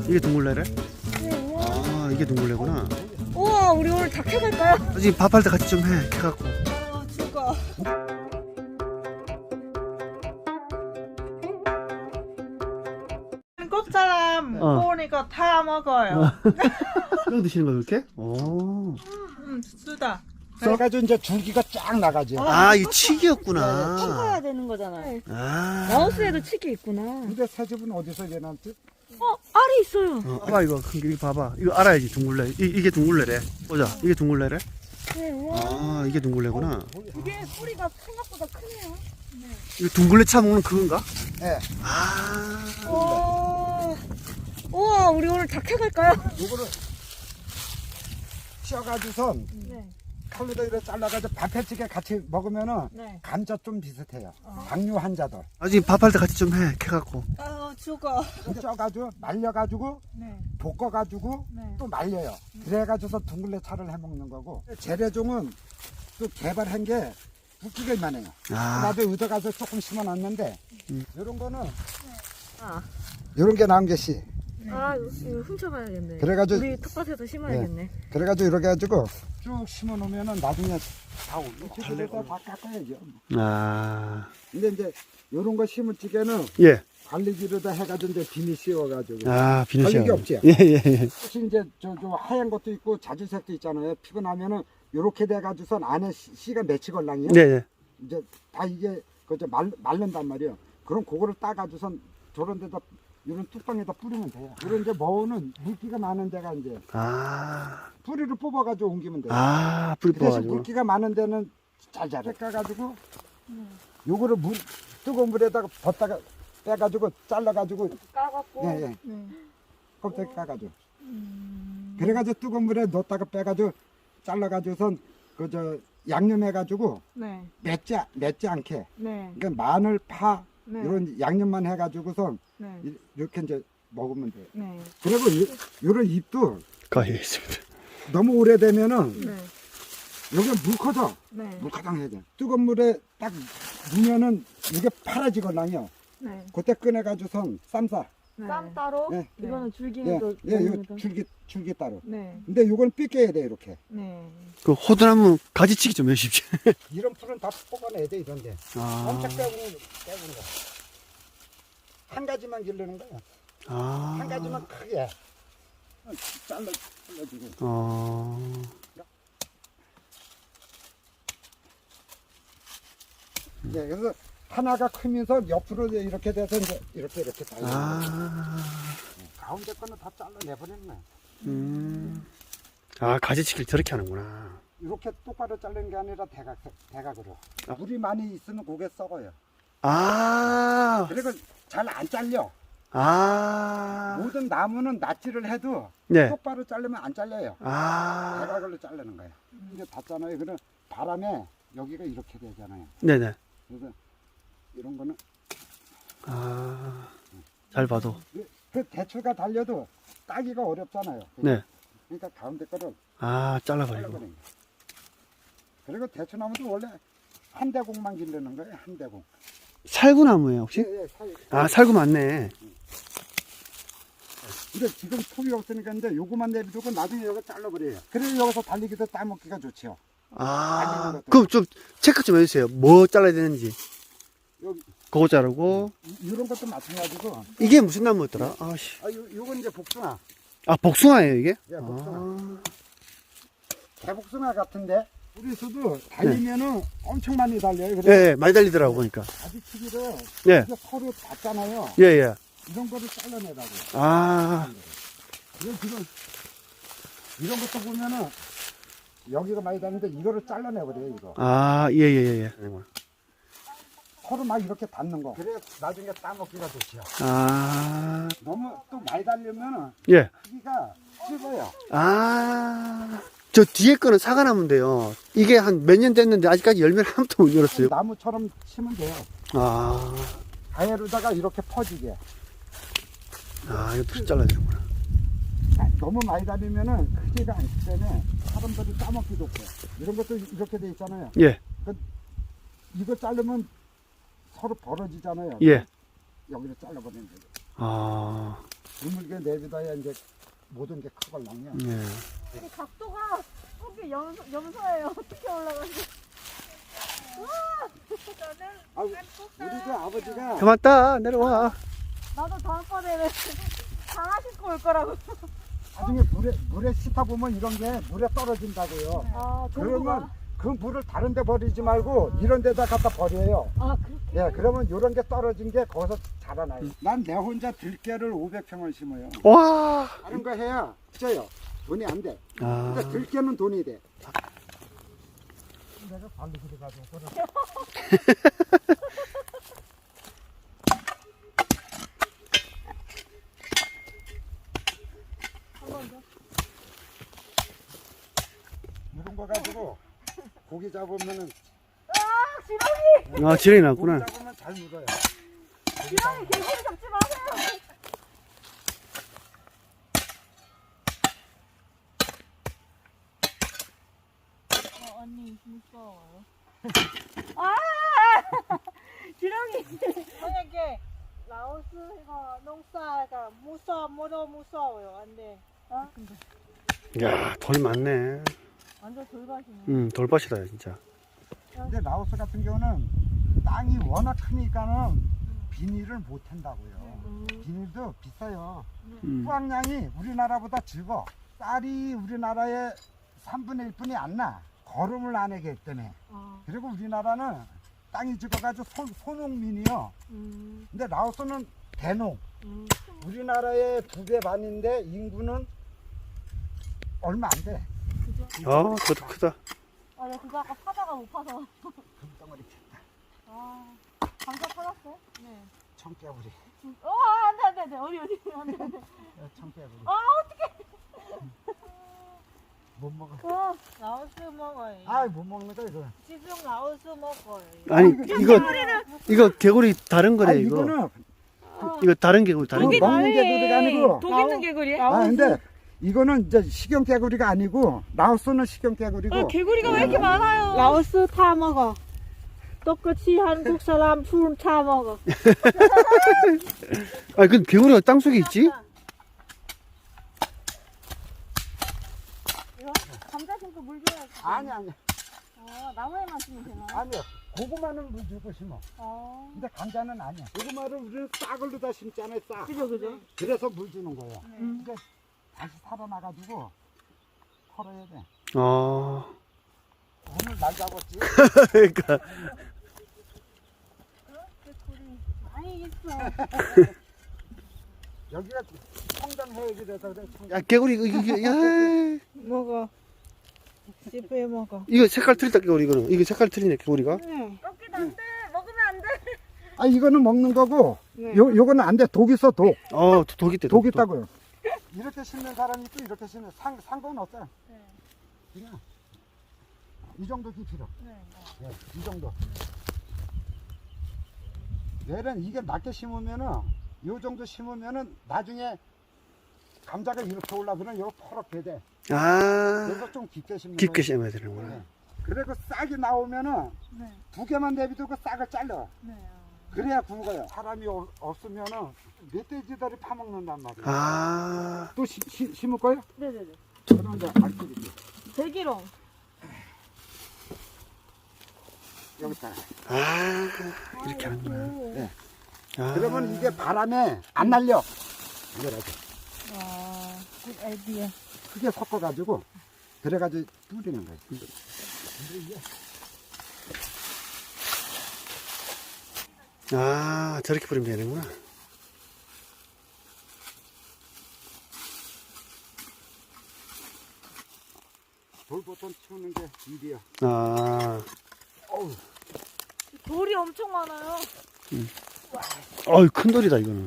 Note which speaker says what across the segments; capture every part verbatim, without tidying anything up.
Speaker 1: 이게 둥글레래?
Speaker 2: 네.
Speaker 1: 아, 이게 둥글레구나.
Speaker 2: 우와, 우리 오늘 다 캐갈까요?
Speaker 1: 아직 밥할 때 같이 좀 해, 캐갖고.
Speaker 2: 아, 죽어.
Speaker 3: 꽃사람
Speaker 1: 어.
Speaker 3: 보니까 다 먹어요.
Speaker 1: 이거 드시는 거 그렇게? 오.
Speaker 3: 음, 쓰다.
Speaker 4: 그래가지고 이제 줄기가 쫙 나가죠.
Speaker 1: 아, 이게
Speaker 2: 쳐야
Speaker 1: 칡이었구나.
Speaker 2: 되는 거잖아요.
Speaker 1: 아.
Speaker 2: 마우스에도 칡이 있구나.
Speaker 4: 근데 새 집은 어디서 얘한테?
Speaker 2: 어, 알이 있어요.
Speaker 1: 어, 봐봐, 이거. 이거 봐봐. 이거 알아야지, 둥글레. 이, 이게 둥글레래. 보자. 이게 둥글레래?
Speaker 2: 네, 우와.
Speaker 1: 아, 이게 둥글레구나.
Speaker 2: 이게 뿌리가 생각보다 크네요.
Speaker 1: 이거 둥글레 차 먹는 그건가?
Speaker 4: 예.
Speaker 1: 아.
Speaker 2: 오, 우와, 우리 오늘 다 캐갈까요?
Speaker 4: 요거를 씌어가지고선
Speaker 2: 네.
Speaker 4: 칼로도 이렇게 잘라가지고 밥해찌개 같이 먹으면은
Speaker 2: 네.
Speaker 4: 감자 좀 비슷해요. 당뇨 환자들.
Speaker 1: 아직 밥할 때 같이 좀 해, 캐갖고.
Speaker 3: 아, 죽어.
Speaker 4: 쪄가지고 말려가지고
Speaker 3: 네.
Speaker 4: 볶아가지고
Speaker 3: 네.
Speaker 4: 또 말려요. 그래가지고서 둥글레 차를 해먹는 거고. 재래종은 또 개발한 게 웃기게만 해요.
Speaker 1: 아.
Speaker 4: 나도 얻어가서 조금 심어놨는데
Speaker 1: 음.
Speaker 4: 요런 거는
Speaker 2: 아,
Speaker 4: 요런 게 나온 게 씨.
Speaker 2: 아, 이거 훔쳐가야겠네.
Speaker 4: 그래가지고
Speaker 2: 우리 텃밭에서 심어야겠네.
Speaker 4: 그래가지고 이렇게 해가지고 쭉 심어 놓으면은 나중에 다 올리고 달래고 다 깎아야죠.
Speaker 1: 아.
Speaker 4: 근데 이제 요런 거 심을 적에는
Speaker 1: 예.
Speaker 4: 관리기로다 해가지고 이제 비닐 씌워가지고
Speaker 1: 아, 비누시야.
Speaker 4: 관리기 없지?
Speaker 1: 예, 예, 예.
Speaker 4: 혹시 이제 저, 저 하얀 것도 있고 자주색도 있잖아요. 피고 나면은 요렇게 돼가지고선 안에 씨- 씨가 맺히 걸랑이요.
Speaker 1: 네, 네.
Speaker 4: 이제 다 이게 그저 말 말른단 말이에요. 그럼 그거를 따가지고선 저런 데다 이런 뚜껑에다 뿌리면 돼요. 이런 이제 머우는 물기가 많은 데가 이제
Speaker 1: 아.
Speaker 4: 뿌리를 뽑아가지고 옮기면 돼요.
Speaker 1: 아, 뿌리
Speaker 4: 그 대신
Speaker 1: 뽑아가지고.
Speaker 4: 물기가 많은 데는 잘 자라. 까가지고 요거를 물 뜨거운 물에다가 벗다가 빼가지고 잘라가지고
Speaker 2: 까갖고.
Speaker 4: 예, 예.
Speaker 2: 네.
Speaker 4: 껍데기 까가지고
Speaker 2: 음.
Speaker 4: 그래가지고 뜨거운 물에 넣었다가 빼가지고 잘라가지고선 그 저 양념해가지고
Speaker 3: 네.
Speaker 4: 맵지 맵지 않게
Speaker 3: 네.
Speaker 4: 그러니까 마늘 파
Speaker 3: 네.
Speaker 4: 이런 양념만 해가지고선
Speaker 3: 네.
Speaker 4: 이- 이렇게 이제 먹으면 돼요.
Speaker 3: 네.
Speaker 4: 그리고 이, 요런 잎도
Speaker 1: 거의 있습니다.
Speaker 4: 너무 오래되면은
Speaker 3: 네.
Speaker 4: 여기 물 커져.
Speaker 3: 네.
Speaker 4: 물가장 해야 돼. 뜨거운 물에 딱 넣으면은 이게 파라지거든요.
Speaker 3: 네.
Speaker 4: 그때 꺼내가지고선 쌈싸.
Speaker 3: 네.
Speaker 2: 쌈 따로?
Speaker 4: 네.
Speaker 2: 이거는
Speaker 4: 예,
Speaker 2: 줄기는 또
Speaker 4: 예, 요
Speaker 2: 먹는 거.
Speaker 4: 줄기 줄기 따로.
Speaker 3: 네.
Speaker 4: 근데 요건 삐껴야 돼 이렇게.
Speaker 3: 네.
Speaker 1: 그 호두나무 가지치기 좀 해주십시오.
Speaker 4: 이런 풀은 다 뽑아내야 돼 이런데.
Speaker 1: 아.
Speaker 4: 엄청 빼고는 빼고는 거. 한 가지만 기르는 거야.
Speaker 1: 아.
Speaker 4: 한 가지만 크게. 잘라 잘라주고.
Speaker 1: 어.
Speaker 4: 네, 그래서 하나가 크면서 옆으로 이렇게 돼서 이제 이렇게 이렇게 달려.
Speaker 1: 아.
Speaker 4: 가운데 거는 다 잘라내버리는 거야.
Speaker 1: 음. 아, 가지치기를 저렇게 하는구나.
Speaker 4: 이렇게 똑바로 자르는 게 아니라 대각, 대각으로.
Speaker 1: 아.
Speaker 4: 물이 많이 있으면 고개 썩어요.
Speaker 1: 아.
Speaker 4: 그리고 잘 안 잘려.
Speaker 1: 아.
Speaker 4: 모든 나무는 낫지를 해도
Speaker 1: 네.
Speaker 4: 똑바로 자르면 안 잘려요.
Speaker 1: 아.
Speaker 4: 대각으로 자르는 거예요. 이게 닿잖아요. 그럼 바람에 여기가 이렇게 되잖아요.
Speaker 1: 네네.
Speaker 4: 그래서 이런 거는
Speaker 1: 아. 잘 봐도.
Speaker 4: 그- 그 대추가 달려도 따기가 어렵잖아요.
Speaker 1: 네.
Speaker 4: 그러니까 가운데 거를
Speaker 1: 아, 잘라버리고.
Speaker 4: 잘라버리는 거예요. 그리고 대추나무도 원래 한 대공만 기르는 거예요. 한 대공.
Speaker 1: 살구나무예요, 혹시?
Speaker 4: 예, 예, 사이.
Speaker 1: 아, 살구 맞네.
Speaker 4: 근데 지금 톱이 없으니까 이제 요거만 내비두고 나중에 여기 잘라버려요. 그래서 여기서 달리기도 따먹기가 좋죠.
Speaker 1: 아. 그럼 좀 체크 좀 해주세요. 뭐 잘라야 되는지.
Speaker 4: 여기
Speaker 1: 그거 자르고.
Speaker 4: 이- 이런 것도 마찬가지고.
Speaker 1: 이게 무슨 나무였더라? 아씨.
Speaker 4: 아, 요, 요건 이제 복숭아.
Speaker 1: 아, 복숭아예요, 이게?
Speaker 4: 예, 복숭아.
Speaker 1: 아.
Speaker 4: 개복숭아 같은데 우리서도 달리면은 엄청 많이 달려요.
Speaker 1: 예,
Speaker 4: 그래서
Speaker 1: 예, 많이 달리더라고, 보니까.
Speaker 4: 가지치기를
Speaker 1: 예,
Speaker 4: 이제 서로 닿잖아요.
Speaker 1: 예, 예.
Speaker 4: 이런 거를 잘라내라고.
Speaker 1: 아,
Speaker 4: 그래서 지금 이런 것도 보면은 여기가 많이 닿는데 이거를 잘라내버려요. 이거
Speaker 1: 아, 예, 예, 예. 예.
Speaker 4: 서로 막 이렇게 닿는 거. 그래 나중에 따먹기가 좋죠.
Speaker 1: 아,
Speaker 4: 너무 또 많이 달리면은
Speaker 1: 예.
Speaker 4: 크기가 씹어요.
Speaker 1: 아, 저 뒤에 거는 사과나무인데요. 이게 한 몇 년 됐는데 아직까지 열매를 한 번도 못 열었어요.
Speaker 4: 나무처럼 치면 돼요.
Speaker 1: 아,
Speaker 4: 가해로다가 이렇게 퍼지게.
Speaker 1: 아, 이것도 잘라야 되는구나.
Speaker 4: 아, 너무 많이 달리면은 크기가 않기 때문에 사람들이 따먹기도 없고. 이런 것도 이렇게 돼 있잖아요.
Speaker 1: 예,
Speaker 4: 이거 자르면 서로 벌어지잖아요.
Speaker 1: 예.
Speaker 4: 여기를 잘라버리는 거죠.
Speaker 1: 아,
Speaker 4: 드물게 내비둬야 이제 모든 게 크걸랑요.
Speaker 1: 예.
Speaker 2: 이 각도가 거기 염, 염소예요. 어떻게 올라가지?
Speaker 4: 아, 우리 그 아버지가
Speaker 1: 그만 따, 내려와.
Speaker 2: 나도 다음번에는 강아 신고 올 거라고.
Speaker 4: 나중에 물에 물에 씻다 보면 이런 게 물에 떨어진다고요.
Speaker 2: 아,
Speaker 4: 그러면 그 물을 다른 데 버리지 말고 이런 데다 갖다 버려요.
Speaker 2: 아, 그렇게?
Speaker 4: 예, 그러면 이런 게 떨어진 게 거기서 자라나요. 난 내 혼자 들깨를 오백 평을 심어요.
Speaker 1: 와.
Speaker 4: 다른 거 해야 쪄요. 돈이 안 돼.
Speaker 1: 아,
Speaker 4: 근데 들깨는 돈이 돼. 내가 발로 들어가지고 그래. 이런 거 가지고 고기 잡으면은
Speaker 1: 아, 지렁이
Speaker 4: 고기
Speaker 1: 났구나.
Speaker 4: 잡으면 잘 물어요.
Speaker 2: 지렁이 개구리 잡지 마세요. 어, 언니 무서워요. 아! 지렁이.
Speaker 3: 만약에 라오스 이거 농사가 무서워, 무서워, 무서워요. 안 돼.
Speaker 2: 어?
Speaker 1: 야, 돌 많네.
Speaker 2: 완전 돌밭이네.
Speaker 1: 음, 돌밭이다, 진짜.
Speaker 4: 근데 라오스 같은 경우는 땅이 워낙 크니까는 비닐을 못 한다고요. 비닐도 비싸요.
Speaker 1: 음.
Speaker 4: 수확량이 우리나라보다 적어. 쌀이 우리나라의 삼분의 일뿐이 안 나. 거름을 안 하기 때문에.
Speaker 2: 아,
Speaker 4: 그리고 우리나라는 땅이 적어가지고 소, 소농민이요.
Speaker 2: 음,
Speaker 4: 근데 라오스는 대농.
Speaker 2: 음.
Speaker 4: 우리나라의 두 배 반인데 인구는 얼마 안 돼.
Speaker 1: 어, 그것도 크다.
Speaker 2: 아, 나 그거 아까 파다가 못 파서.
Speaker 4: 금덩어리 쳤다.
Speaker 2: 아, 감자 팔았어요? 네.
Speaker 4: 청개구리.
Speaker 2: 어, 안 돼, 안 돼, 안 돼. 어디, 어디, 안 돼, 안 돼.
Speaker 4: 어, 청개구리.
Speaker 2: 아,
Speaker 4: 못 먹어.
Speaker 2: 어,
Speaker 3: 라오스 먹어요.
Speaker 4: 아, 못 먹는 거 이거.
Speaker 3: 지금 라오스 먹어요.
Speaker 1: 아니,
Speaker 4: 이거
Speaker 1: 이거, 이거 개구리 다른 거래,
Speaker 4: 아,
Speaker 1: 이거.
Speaker 4: 이거는
Speaker 1: 이거 다른 개구리, 다른
Speaker 4: 그
Speaker 1: 개구리.
Speaker 4: 먹는 개구리가 아니고.
Speaker 2: 독 있는 개구리야?
Speaker 4: 아, 근데 이거는 이제 식용 개구리가 아니고 라오스는 식용 개구리고.
Speaker 2: 어, 개구리가 왜 이렇게 많아요?
Speaker 3: 라오스 타 먹어. 똑같이 한국 사람 풀 타 먹어.
Speaker 1: 아, 그 개구리가 땅속에 있지?
Speaker 2: 이거? 감자 심고 물 줘야지.
Speaker 4: 아니 아니
Speaker 2: 어, 나무에만 심으면 되나?
Speaker 4: 아니요. 고구마는 물 주고 심어.
Speaker 2: 어.
Speaker 4: 근데 감자는 아니야. 고구마를 우리는 싹을 다 심잖아요. 싹.
Speaker 2: 그죠, 그죠?
Speaker 4: 그래서 물 주는 거예요.
Speaker 2: 음.
Speaker 4: 이제 다시 살아나가지고 털어야 돼.
Speaker 1: 어.
Speaker 4: 오늘 날 잡았지.
Speaker 1: 그러니까.
Speaker 2: 개구리 많이 있어.
Speaker 4: 여기가 청정 해역이 돼서 그래. 청정.
Speaker 1: 야, 개구리, 이거, 이거, 야.
Speaker 3: 먹어. 씹어 먹어.
Speaker 1: 이거 색깔 틀리다, 개구리, 이거는. 이거 색깔 틀리네, 개구리가.
Speaker 3: 응.
Speaker 2: 꺾기도 안 돼. 먹으면 안 돼.
Speaker 4: 아 이거는 먹는 거고
Speaker 3: 네.
Speaker 4: 요 요거는 안 돼. 독 있어 독.
Speaker 1: 어, 독 있대,
Speaker 4: 독 있다고요. 이렇게 심는 사람이 있고 이렇게 심는 상 상관 없어요.
Speaker 2: 네.
Speaker 4: 그냥 이 정도 깊이로.
Speaker 2: 네.
Speaker 4: 네, 이 정도. 얘는 이게 낮게 심으면은 요 정도 심으면은 나중에 감자가 이렇게 올라 그러면 요 퍼렇게 돼.
Speaker 1: 아,
Speaker 4: 그래서 좀 깊게 심는
Speaker 1: 깊게
Speaker 4: 거예요.
Speaker 1: 심어야 되는구나.
Speaker 4: 네. 그리고 싹이 나오면은
Speaker 2: 네.
Speaker 4: 두 개만 내비두고 싹을 잘라.
Speaker 2: 네.
Speaker 4: 그래야 굵어요. 사람이 어- 없으면은 멧돼지들이 파먹는단 말이에요.
Speaker 1: 아,
Speaker 4: 또 시, 시, 심을 거예요?
Speaker 2: 네네네.
Speaker 4: 저는 이제 알뜰히
Speaker 2: 대기롱.
Speaker 4: 여기다.
Speaker 1: 아, 이렇게 하는구나.
Speaker 4: 네.
Speaker 1: 아,
Speaker 4: 그러면 이게 바람에 안 날려. 이래가지고
Speaker 3: 아, 굿 아이디어.
Speaker 4: 크게 섞어가지고 그래가지고 뿌리는 거예요.
Speaker 1: 아, 저렇게 뿌리면 되는구나.
Speaker 4: 돌보통 치우는 게 일이야.
Speaker 1: 아,
Speaker 4: 어우,
Speaker 2: 돌이 엄청 많아요.
Speaker 1: 어이, 큰 돌이다, 이거는.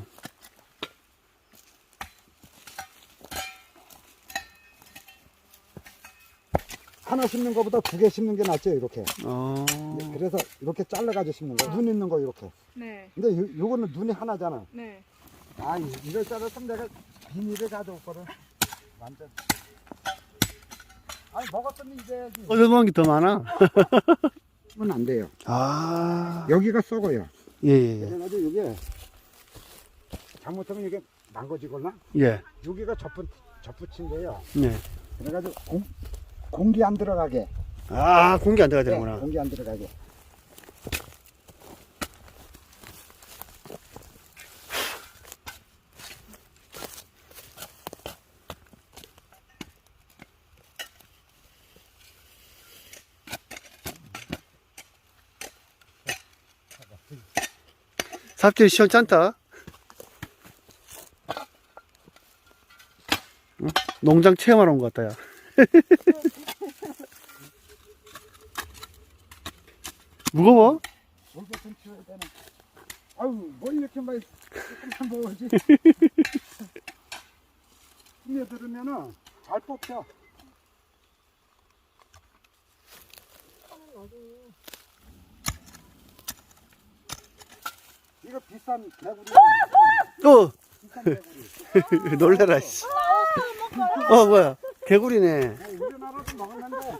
Speaker 4: 하나 심는 것보다 두 개 심는 게 낫죠, 이렇게.
Speaker 1: 어,
Speaker 4: 그래서 이렇게 잘라가지고 심는 거야. 눈 있는 거 이렇게.
Speaker 2: 네.
Speaker 4: 근데 요, 요거는 눈이 하나잖아.
Speaker 2: 네.
Speaker 4: 아, 이- 이럴 줄 알았으면 내가 비닐을 가져올거든. 완전. 아니, 먹었으면 이제야지.
Speaker 1: 얻어먹은 게 더 많아.
Speaker 4: 하면 안 돼요.
Speaker 1: 아,
Speaker 4: 여기가 썩어요.
Speaker 1: 예, 예, 예.
Speaker 4: 그래가지고 이게 잘못하면 이게 망가지거나
Speaker 1: 예.
Speaker 4: 여기가 접붙 접붙인데요.
Speaker 1: 네.
Speaker 4: 그래가지고 공, 공기 안 들어가게.
Speaker 1: 아, 공기 안 들어가야
Speaker 4: 네,
Speaker 1: 되는구나.
Speaker 4: 공기 안 들어가게.
Speaker 1: 삽질 시원찮다. 응? 농장 체험하러 온 것 같다, 야. 무거워?
Speaker 4: 목에 좀 치워야 되나? 아유, 뭘 이렇게 많이 조금만 먹어야지. 힘에 들으면은 잘 뽑혀. 이거 비싼 개구리.
Speaker 1: 어!
Speaker 4: 비싼 개구리.
Speaker 1: 놀래라, 씨. 어, 뭐야. 개구리네.
Speaker 4: 우리나라도 먹었는데.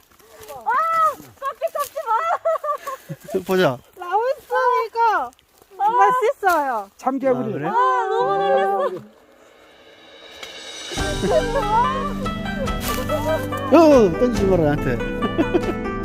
Speaker 1: 보자.
Speaker 2: 라오스 이거 맛있어요.
Speaker 4: 참개구리.
Speaker 1: 아, 그래?
Speaker 2: 아, 너무 놀랐어.
Speaker 1: 어, 던지지 마라, 나한테.